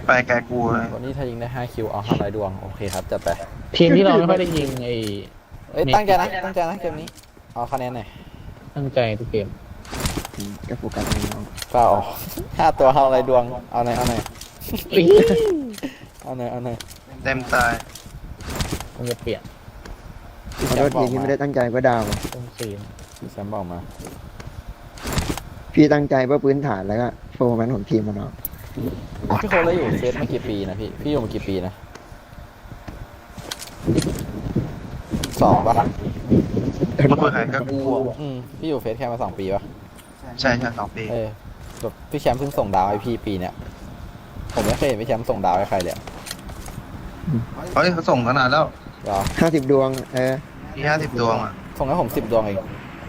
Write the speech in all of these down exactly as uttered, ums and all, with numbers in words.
ไปแกกูเลยวันนี้ถ้ายิงได้ห้าคิวเอาห้าร้อยดวงโอเคครับจัดไปทีมที่เราไม่ค่อยได้ยิงไอ้เอ้ยตั้งใจนะตั้งใจนะเกมนี้เอาคะแนนหน่อยตั้งใจทุกเกมก็โฟกัสในน้องเปล่าห้าตัวห้าร้อยดวงเอาหน่อยเอาหน่อยเอาหน่อยเอาหน่อยเต็มตายมันจะเปลี่ยนขอโทษทีที่ไม่ได้ตั้งใจก็ดาวต้องซีนพี่แซมบอกมาพี่ตั้งใจเพื่อพื้นฐานแล้วก็โฟร์แมนของทีมมันเนาะพี่โคแล้วอยู่เฟสมากี่ปีนะพี่พี่อยู่มากี่ปีนะสองปะมาคุยใครก็กูอืมพี่อยู่เฟสแค่มาสองปีปะใช่ใช่สองปีเออแบบพี่แชมป์เพิ่งส่งดาวให้พี่ปีเนี้ยผมไม่เคยเห็นพี่แชมป์ส่งดาวให้ใครเลยอะเฮ้ยเขาส่งขนาดแล้วเหรอห้าสิบดวงเออมีห้าสิบดวงอ่ะส่งให้ผมสิบดวงเอง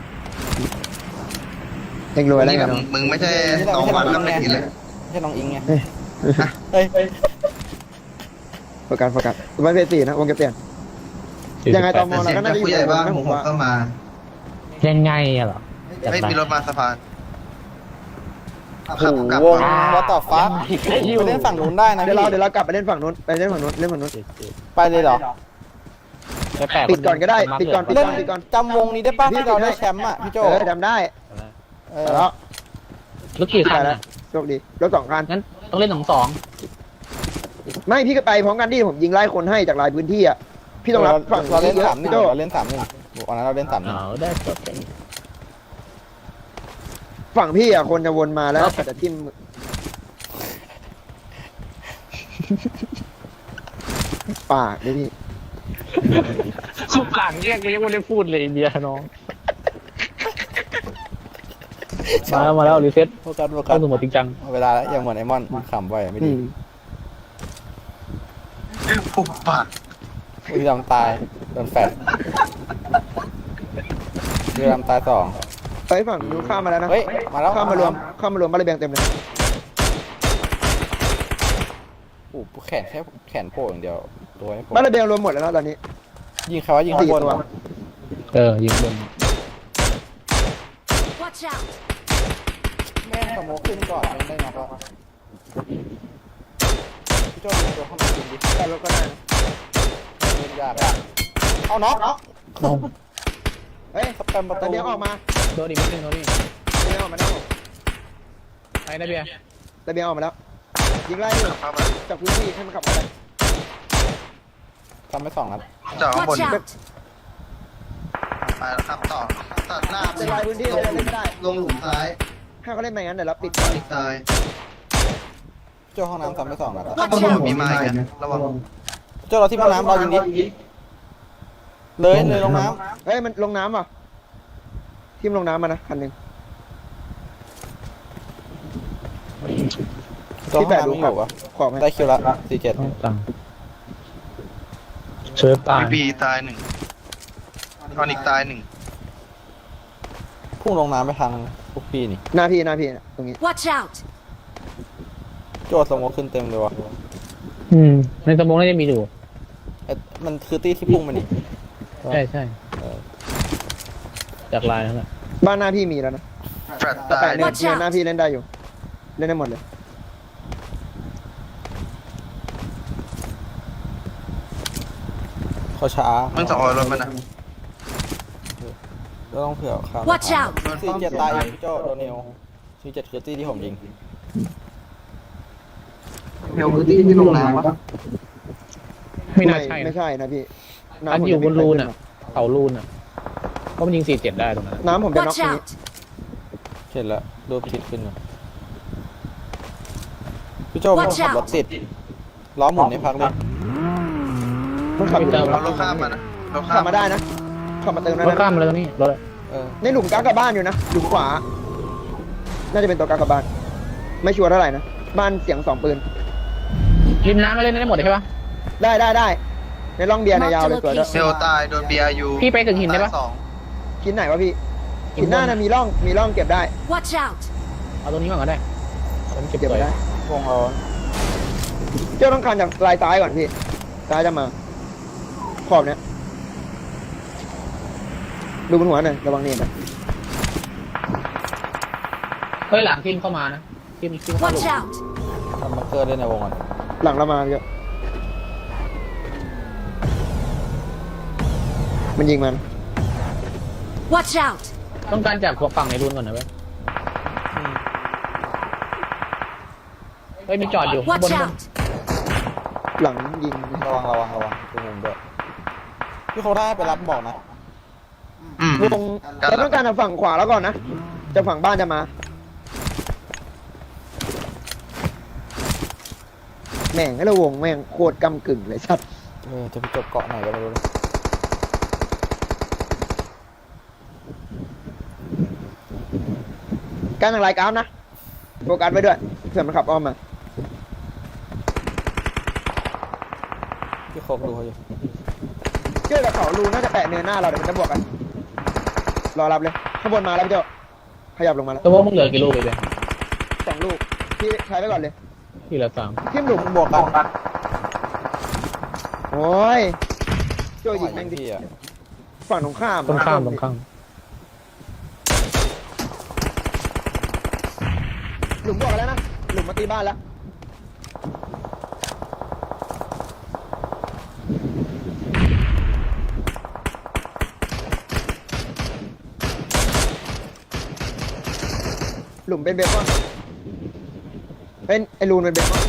เองรวยแล้วนี่ไงแบบเนาะมึงไม่ใช่สองวันแล้วไม่กินเลยไม่ใช่น้องอิงไงเฮ้ยเฮ้ยโฟกัสโฟกัสวันเฟสสี่นะวงเก็บเปลี่ยน ยังไงตมแต่เสียงจากผู้ใหญ่บ้านผมเข้ามายังไงอะเหรอจัดเฮ้ยไปมีรถมาสะพานโอ้โหขับกลับวงมาวัตต่อฟ้าไปเล่นฝั่งนู้นได้นะเดี๋ยวพี่เราเดี๋ยวเรากลับไปเล่นฝั่งนู้นไปเล่นฝั่งนู้นเล่นฝั่งนู้นไปเลยเหรอแปลกๆปิดก่อนก็ได้ปิดก่อนเล่นจำวงนี้ได้ป่ะที่เราได้แชมป์อ่ะพี่โจเออจำได้เอแต่อแล้วรถกี่คันแล้อะวโชคดีรถสองคันงั้นต้องเล่นสองสองไม่พี่ก็ไปพร้อมกันที่ผมยิงไล่คนให้จากหลายพื้นที่อ่ะพี่ต้องรับฝั่งเราเล่นเยอะสามหนึ่พี่งโจเราเล่นสามหนึ่งวันนั้นเราเล่นสามหนึ่งเอาได้จบกันฝั่งพี่อ่ะคนจะวนมาแล้วแต่ทิมปากดิพี่สุดหลังเนี่ยกูยังไม่ได้พูดเลยเบียร์น้องมาแล้วมาแล้วรีเซ็ตโฟกัสโฟกัเข้าสสู่โหมดจริงจังเวลาแล้วยังเหมือนไอมอนขำไปไม่ดีปุบปัดวีรามตายโดนแฟดวีรามตายสองไปฝั่งนู้นข้ามมาแล้วนะเฮ้ยมาแล้วข้ามมารวมข้ามมารวมบ้านระเบียงเต็มเลยโอ้โหแขนแค่แขนโผล่อย่างเดียวตัวไม่โผล่บ้านระเบียงรวมหมดแล้วนะตอนนี้ยิงใครวะยิงข้างบนวะเออยิงบน Watch out! แม่งสโมกขึ้นก่อนไม่ได้น็อกแล้วพี่โจ้ยิงตัวเข้ามาจริงดิแต่รถก็ได้นะเล่นยากอะเอาน็อกเอาเฮ้ยสแปมประตูระเบียงออกมาโดนอีกนิดนึงโดนนี่ระเบียงออกมาแล้วไปนะเบียร์ระเบียงออกมาแล้วยิงไล่อยู่เข้ามาจากพื้นที่ให้มันขับมาเลยทำไปสองนัดจอดข้างบน Watch out! ไปแล้วครับต่อตัดหน้าจะไล่พื้นที่เลยเล่นไม่ได้ลงหลุมซ้ายถ้าเขาเล่นไปงั้นเดี๋ยวเราปิดตอนอีกตายโจ้ห้องน้ำทำไปสองนัดอะข้างบนมีไม้กันระวังโจ้เราที่ห้องน้ำเรายิงดิเลยเลยลงน้เฮ้ยมันลงน้ำว่ะทีมลงน้ำมานะคันหนึ่งำตัวห้องน้ำไม่อยู่วะขอบไหมได้คิวละสี่เจ็ดต้องตังเชิร์ฟตายพีพีตายหนึ่งทอนิกตายหนึ่งพุ่งลงน้ำไปทางพวกพี่นี่หน้าพี่หน้าพี่นะตรงนี้ Watch out! โจ้สโมกขึ้นเต็มเลยวะอืมในสมองน่าจะมีอยู่เอ๊ะมันคือตี้ที่พุ่งมานี่ใช่ใช่เออจากลายนั่นแหละบ้านหน้าพี่มีแล้วนะแฟลตแต่ตาแปะยเนี่ย Watch เนี่ย out หน้าพี่เล่นได้อยู่ เล่นได้หมดเลยเขาช้ามึงสองร้อยรถมันนะก็ต้องเผื่อข้าม Watch out! สี่เจ็ดตายเองพี่โจ้โดนเนลสี่เจ็ดคือตี้ที่ผมยิงเฮลพื้นที่ที่ลงน้ำปะไม่น่าใช่ไม่นะใช่นะพี่อันผมอยู่บนจะรูนไม่อ่ะขึ้เขารูนอ่ะก็มันยิงสี่เจ็ดได้ตรงนั้นน้ำผมจะน็อก Watch ตรงนี้ out! เห็นแล้วรูปคิดขึ้นมาพี่โจ้มัน Watch ขับรถติดล้อหมุนในพักเลยมันขับอยู่เอารถข้ามมานะรถข้าขัมบมาได้นะขับมาเติมได้รถข้ามนะมาเลยตรงนี้รถเออในหลุมกลางกับบ้านอยู่นะหลุมขวา น่าจะเป็นตัวกลางกับบ้าน ไม่ชัวร์เท่าไหร่นะบ้านเสียงสองปืนริมน้ำมาเล่นได้หมดเลยใช่ปะได้ได้ได้ในร่องเบียร์ในยยาวเลยสวยด้วยเฮลตายโดนบีอาร์ยูพี่ไปถึงหินได้ปะสองหินไหนวะพี่หินหน้านะมีร่องมีร่องเก็บได้ Watch out! เอาตรงนี้ก่อนก็ได้เอาตรงนี้เก็บเก็บไว้ไว้ได้วงเราเจ้าต้องการจากลายซ้ายก่อนพี่ซ้ายจะมา ขอบเนี้ยดูบนหัวหน่อยระวังนี่นะเฮ้ยหลังทีมเข้ามานะทีมทีมเข้าหลุ Watch ม out! ทำมาเกอร์เล่นในวงก่อนหลังเรามาเยอะมันยิงมัน Watch out! ต้องการจับฝั่งในรุ่นก่อนนะเว้ยเฮ้ยมีจอดอยู่บ Watch น out! หลังยิงระวังระวังระวังตัวมุมด้วยพี่เขาได้ไปรับบอกนะอืมวงเราต้องการทางฝั่งขวาแล้วก่อนนะจะฝั่งบ้านจะมาแม่งให้เราวงแม่งโคตรกำกึ่งเลยชัดเออจะไปจบเกาะไหนก็ไม่รู้เลยการทางรายการนะโฟกัสไว้ด้วยเผื่อมันขับอ้อมมาพี่โคกดูเขาอยู่เชื่อกับเขารูน่าจะแปะเนินหน้าเราเดี๋ยวมันจะบวกกันรอรับเลยข้างบนมาแล้วพี่เจ้าขยับลงมาแล้วตัวพวกมึงเหลือกี่ลูกไปเลยสองลูกพี่ใช้ไว้ก่อนเลยที่เหลือสามทิ่มหลุมบวกกันโอ้ยโจ้ยิงแม่งดิพี่อะฝั่งตรงข้ามตรงข้ามตรงข้ามหลุมบวกกันแล้วนะหลุมมาตีบ้านแล้วหลุมเป็นเบคอนเป็นไอรูนเป็นเบคอน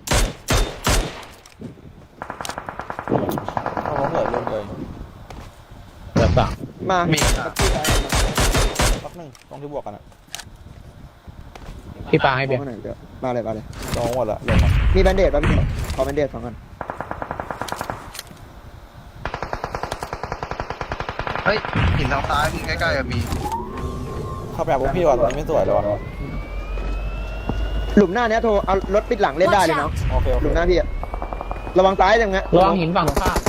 เขาเหลือรุ่นเลยเหลือสามมามีตะกี้ซ้ายล็อกหนึ่งตรงที่บวกกันอะพี่ปาให้เบียร์มาไหนเดี๋ยวมาเลยมาเลยลงหมดละลงมามีแบนเดดป่ะพี่ขอแบนเดดสองอันเฮ้ยหินทางซ้ายพี่ใกล้ๆอะมีเข้าไปหาพวกพี่ก่อนตรงนี้ไม่สวยเลยวะหลุมหน้าเนี้ยโทรเอารถปิดหลังเล่นได้เลยเนาะโอเคโอหเคลุมหน้าพี่อะระวังซ้ายอย่างเงี้ยระวังหินฝั่งตรงข้าม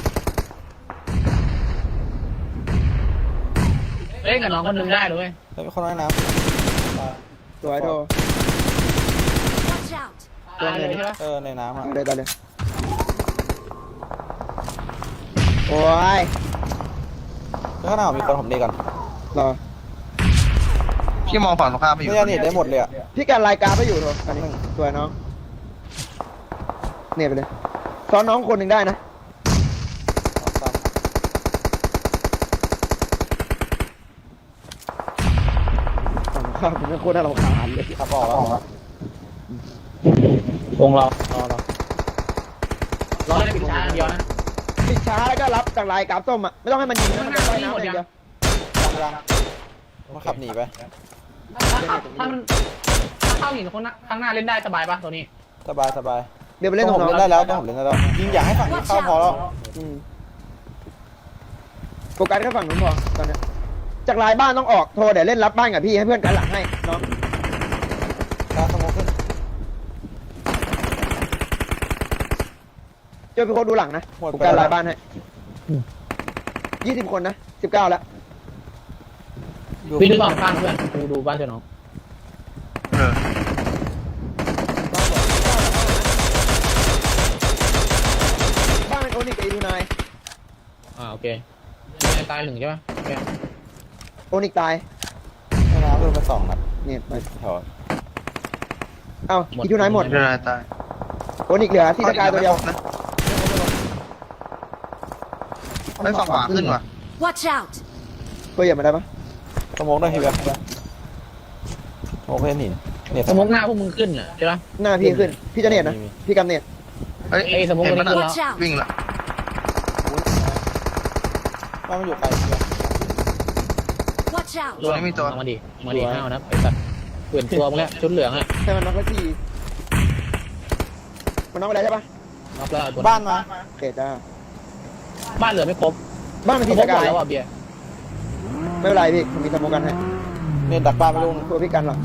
เล่นกับน้องคนหนึงได้ด้วยแล้วมีคนว่ายน้สวยโทร Watch out! ตายเลยใช่ปะำเออในน้ำอะเอาเลยตอนเลยโอ้ยแล้วข้างหน้ามีคนผมดีก่อนรอพี่มองฝั่งตรงข้ามไปอยู่ไม่ได้เน็ตได้หมดเลยอะพี่การรายการไปอยู่โทรอันนี้สวยน้องเนี่ยไปเลยซ้อนน้องคนหนึ่งได้นะฝั่งข้ามมันโคตรน่ารำคาญเลยขับออกแล้ววงเรารอรอรอได้ปิดช้าอันเดียวนะปิดช้าแล้วก็รับจากลายกราฟส้มอ่ะไม่ต้องให้มันยิงนะมันจะว่ายน้ำอย่างเดียวยังมันขับหนีไปถ้าขับถ้ามันถ้าเข้าหินคนข้างหน้าเล่นได้สบายปะตัวนี้สบายสบายเดี๋ยวไปเล่นต้ตอรง งผมน้องเล่นได้แล้วต้องผมเล่นได้แล้วยิงอยากให้ฝั่งนี้เข้าพอแล้วอืมโฟกัสแค่ฝั่งนู้นพอตอนเนี้ยจากลายบ้านต้องออกโทรเดี๋ยวเล่นรับบ้านกับพี่ให้เพื่อนกันหลังให้น้องตาสมองขึ้นเจอเป็นคนดูหลังนะหมดโฟไปกัสแล้วลายบ้านให้ยี่สิบคนนะสิบเก้าแล้วอยู่พี่ดูฝั่งข้างเพื่อนดูดูบ้านเจ้าน้องเออบ้านเป็นโอนิกกับอีลูนายอ่าโอเคมีตายหนึ่งใช่ปะโอเคโอนิกตายในน้ำโดนไปสองนัดเนี่ยไปแถวเอ้าอีลูนายหมดเดี๋ยวนายตายโอนิกเหลือที่สกายตัวเดียวนะไอ้ยฝั่งขวาขึ้นว่ะ Watch out! ตัวเหยียบมาได้ปะสมองได้ทีแบบสมองเพื่อนหินเนี่ยสมมติหน้าพวกมึงขึ้นอ่ะใช่ปะหน้าพี่ขึ้นพี่จะเน็ตนะพี่กำเน็ตเฮ้ยไอ้สมมุติเห็นปะวันนี้น่ะ Watch out! วิ่งละว่ามันอยู่ไกลเชียว Watch out! ตัวนี้มีตัวเอามาดิเอามาดิห้าวนะไอ้สัตว์เปลี่ยนตัวมึงแล้วชุดเหลืองอ่ะให้มันน็อกสักทีมันน็อกไปแล้วใช่ปะน็อกแล้วเอาตัวบ้านมาโอเคจ้าบ้านเหลือไม่ครบบ้านมันสที่มสมติหมกาดยแล้วอ่ะเบียร์ไม่เป็นไรพี่ผมมีสโมกันให้เนี่ยดักบ้านไปลูกนึงตัวพี่กันหลัง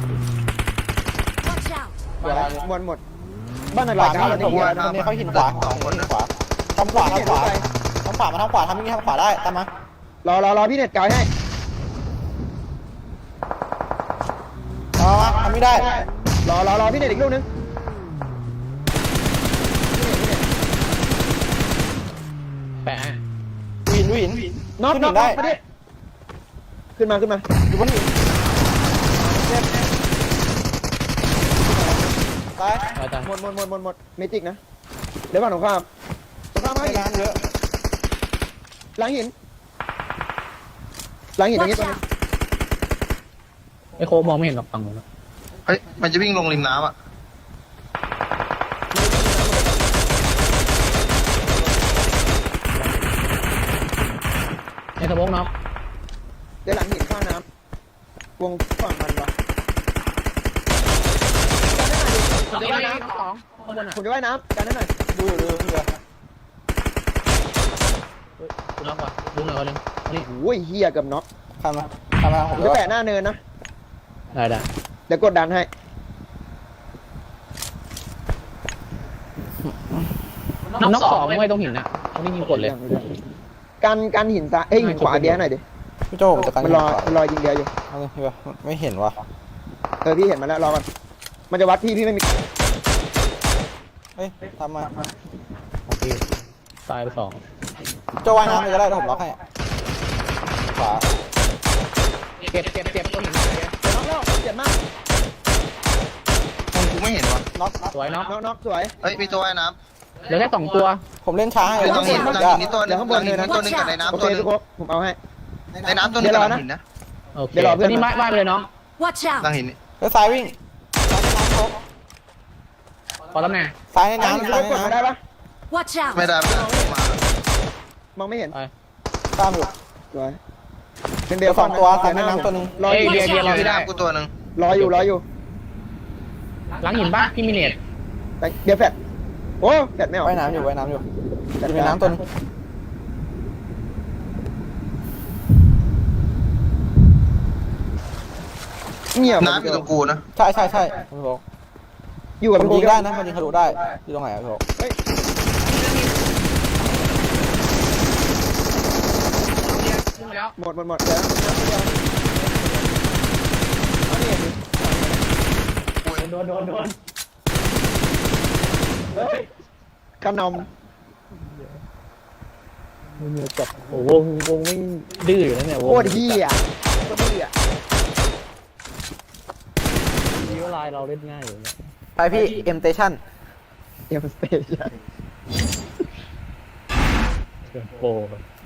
Watch out! เวลาเลยหมดหมดบ้านหนักขหลาวายการนี่แล้วผมนี่ว่าตรงนี้เขาหินขวาหินขวาทำขวาทำขวาทำขวามาทำขวาทำอย่างนี้ทำขวาได้ตามมารอรอรอพี่เน็ตกายให้เอามาทำไม่ได้รอรอรอพี่เน็ตอีกลูกนึงแปะให้วินวินน็อกขึ้นน็หิอกนได้มาดิขึ้นมาขึ้นมาอยู่บนหินตายตายตายหมดหมดหมดหมดหมดเมจิกนะเดี๋ยวก่อนตรงข้ามตรงข้ามให้ไม่งานเยอะหลังหินหลังหินตรงนี้ Watch ตัวนึง out! ไอโคมองไม่เห็นหรอกฝั่งนู้นเฮ้ยมันจะวิ่งลงริมน้ำอ่ะในสมองน็อกเดี๋ยวหลังหินข้างน้ำวงฝั่งมันวะเดี๋ยวนะสองข้างบนอ่ะผมจะว่ายน้ำกันได้หน่อยดูอยู่ดูอยู่ดูน็อกว่ะดูหน่อยคนนึงนี่โอ้ยเฮียเกับน็อกข้ามมาข้ามมาผผม มจะจะแปะแปะหน้าเนินนะได้ได้เดี๋ยวกดดันให้น็อกสองไม่ต้องหินนะต้องนี่ยิงกดเลยกันกันหินซ้ายเอ้ยหินขวาเดียวหน่อยดิพี่โจผมจะกันมันรอมันรอยิงเดียวอยู่เอาเลยพี่วะไม่เห็นวะเออพี่เห็นมาแล้วรอก่อนมันจะวัดพี่พี่ไม่มีเฮ้ยทำมาตายไปสองโจว่ายน้ำเลยก็ได้เดี๋ยวผมล็อกให้ขวาเก็บเก็บเก็บตัวหินเดี๋ยวน็อกแล้วเจ็บมากตรงกูไม่เห็นวะน็อกน็อกสวยน็อกน็อกน็อกสวยเฮ้ยมีตัวว่ายน้เหลือแค่สองตัวผมเล่นช้าให้ำเฮ้ยตรงหินตรงหินนี่ตัวหนึเดี๋งยวข้างหบลันงหินเลยนะนี่ตัวหนึงกับในโอน้ำเคตัวหนึงทุกคนผมเอาให้ในน้ำตัวหนึงกับหลังหินนะโอเคเดี๋ยวรอเพื่อนนี่ไม้ไม้ไปเลยน้อง Watch หลัง out! หินนี่เฮ้ยซ้ายวิ่งซ้ายในน้ำโชกขอตำแหน่งซ้ายในน้ำน้ำซ้ายกในดมาได้น้ำปะ Watch ไม่ out! ได้ไม่ได้มามองไม่เห็นตามอยู่สวยเป็นเดี๋เดียยว วสองตัวซ้ายในน้ำตัวหนึงรออยู่เบียร์เบียร์อยู่ในน้ำกูตัวหนึงรออยู่รออยู่หลังหินป่ะพี่มิเนตแต่เดี๋ยวแฟดโอ้แฟดไม่ออกว่ายน้ำอยู่ว่ายน้ำอยู่จัดอยู่ในการน้ำตัวหนึงเงียบน้ำอยู่ตรงกูนะใช่ใช่ใช่พี่บอกอยู่กับมันพี่ยิงได้ได้นะมันยิงทะลุได้อยู่ตรงไหนอะพี่บอกเฮ้ยแล้วหมดหมดหมดเดี๋ยวเอานี่ดิโดนโดนโดนเฮ้ยกระหนมือจับโอ้วงวงไม่ดื้ออยู่นะเนี่ยวำงโคตรเฮียโคตรเฮียมีเวลาเราเล่นง่ายอยู่เนี่ยไปพี่เอ็มเตชั่นเอ็มสเตชันโปร